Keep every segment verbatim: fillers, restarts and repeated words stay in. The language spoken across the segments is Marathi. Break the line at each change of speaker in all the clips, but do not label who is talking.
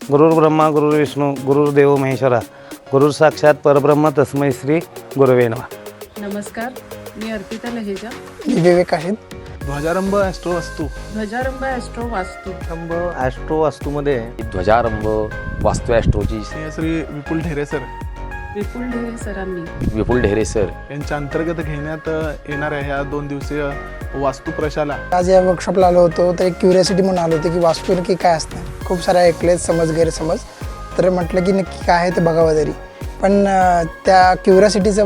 गुरुर् ब्रह्मा गुरुर् विष्णू गुरुर्देव महेश्वरा गुरुर साक्षात परब्रह्म तस्मै श्री गुरवे नमः।
नमस्कार, मी अर्पिता लहेजा।
मी विवेक आहे।
ध्वजारंभ ॲस्ट्रो वास्तू
ध्वजारंभ ॲस्ट्रो वास्तू
रंभ ॲस्ट्रो वास्तूमध्ये
ध्वजारंभ वास्तू ॲस्ट्रोची
श्री विपुल ढेरे सर
विपुल ढेरे सरांनी
विपुल ढेरे सर
यांच्या अंतर्गत घेण्यात येणाऱ्या ह्या दोन दिवसीय वास्तू प्रशाला
आज या वर्कशॉपला आलो होतो तर एक क्युरियोसिटी म्हणून आलो होतो की वास्तू नक्की काय असतं। खूप सारे ऐकले समज गैरसमज, तर म्हटलं की नक्की काय आहे ते बघावं तरी। पण त्या क्युरियोसिटीचं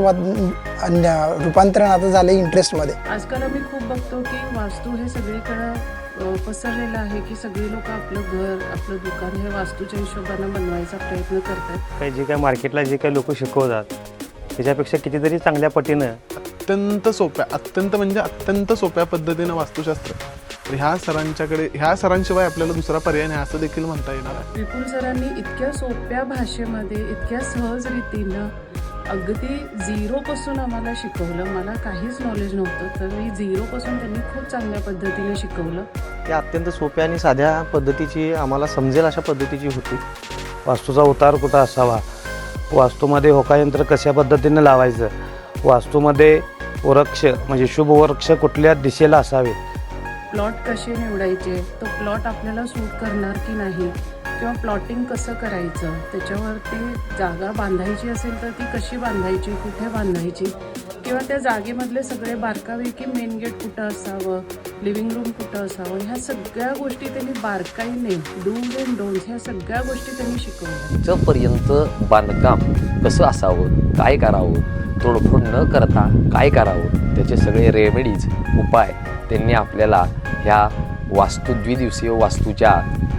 रूपांतरण आता झालं इंटरेस्टमध्ये।
आजकाल आम्ही खूप बघतो की वास्तू हे सगळीकडं पसरलेलं आहे की सगळी लोक आपलं घर आपलं दुकान हे वास्तूच्या हिशोबानं बनवायचा प्रयत्न करतात।
काही जे काय मार्केटला जे काही लोक शिकवतात त्याच्यापेक्षा कितीतरी चांगल्या पटीनं
अत्यंत सोप्या अत्यंत म्हणजे अत्यंत सोप्या पद्धतीनं वास्तुशास्त्र तर ह्या सरांच्याकडे ह्या सरांशिवाय आपल्याला दुसरा पर्याय नाही असं देखील म्हणता येणार आहे।
विपुल सरांनी इतक्या सोप्या भाषेमध्ये इतक्या सहज रीतीनं अगदी झिरोपासून आम्हाला शिकवलं। मला काहीच नॉलेज नव्हतं, तरी झिरोपासून त्यांनी खूप चांगल्या पद्धतीने शिकवलं।
ती अत्यंत सोप्या आणि साध्या पद्धतीची आम्हाला समजेल अशा पद्धतीची होती।
वास्तूचा उतार कुठं असावा, वास्तूमध्ये होकायंत्र कशा पद्धतीने लावायचं, वास्तूमध्ये वृक्ष म्हणजे शुभ वृक्ष कुठल्या दिशेला असावे,
प्लॉट कसे निवडायचे, तो प्लॉट आपल्याला सूट करणार की नाही, किंवा प्लॉटिंग कसं करायचं, त्याच्यावरती जागा बांधायची असेल तर ती कशी बांधायची, कुठे बांधायची, किंवा त्या जागेमधले सगळे बारकावे की मेन गेट कुठं असावं, लिव्हिंग रूम कुठं असावं, ह्या सगळ्या गोष्टी त्यांनी बारकाईने डूज अँड डोन्स ह्या सगळ्या गोष्टी त्यांनी शिकवल्या।
इथपर्यंत बांधकाम कसं असावं, काय करावं, तोडफोड न करता काय करावं, त्याचे सगळे रेमेडीज उपाय त्यांनी आपल्याला ह्या वास्तू द्विदिवसीय वास्तूच्या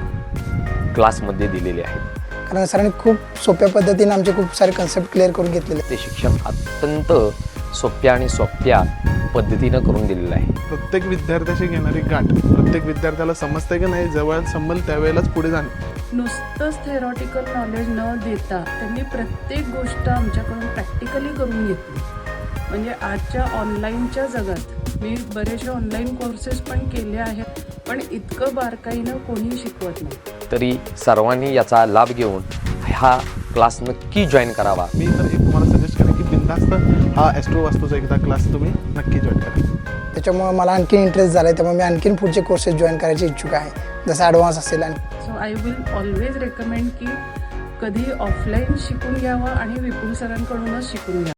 क्लासमध्ये दिलेले आहेत।
कारण सरांनी खूप सोप्या पद्धतीने आमचे खूप सारे कन्सेप्ट क्लिअर करून घेतलेले।
ते शिक्षण अत्यंत सोप्या आणि सोप्या पद्धतीनं करून दिलेलं आहे।
प्रत्येक विद्यार्थ्याशी घेणारी गाठ प्रत्येक विद्यार्थ्याला समजते की नाही, जवळ संबल त्यावेळेलाच पुढे जाणे।
नुसतंच थेरॉटिकल नॉलेज न देता त्यांनी प्रत्येक गोष्ट आमच्याकडून प्रॅक्टिकली करून घेतली। म्हणजे आजच्या ऑनलाईनच्या जगात मी बरेचसे ऑनलाईन कोर्सेस पण केले आहेत, पण इतकं बारकाईनं कोणी शिकवत नाही।
तरी सर्वांनी याचा लाभ घेऊन हा क्लास नक्की जॉईन करावा।
मी तर एक तुम्हाला सजेस्ट करेन की बिनधास्त हा ॲस्ट्रो वास्तूचा एकदा क्लास तुम्ही नक्की जॉईन करा।
त्याच्यामुळे मला आणखीन इंटरेस्ट झाला आहे, त्यामुळे मी आणखीन पुढचे कोर्सेस जॉईन करायची इच्छुक आहे, जसं ॲडव्हान्स असेल। आणि
so I will always recommend की कधी ऑफलाईन शिकून घ्यावं आणि विपुल सरांकडूनच शिकून घ्यावं।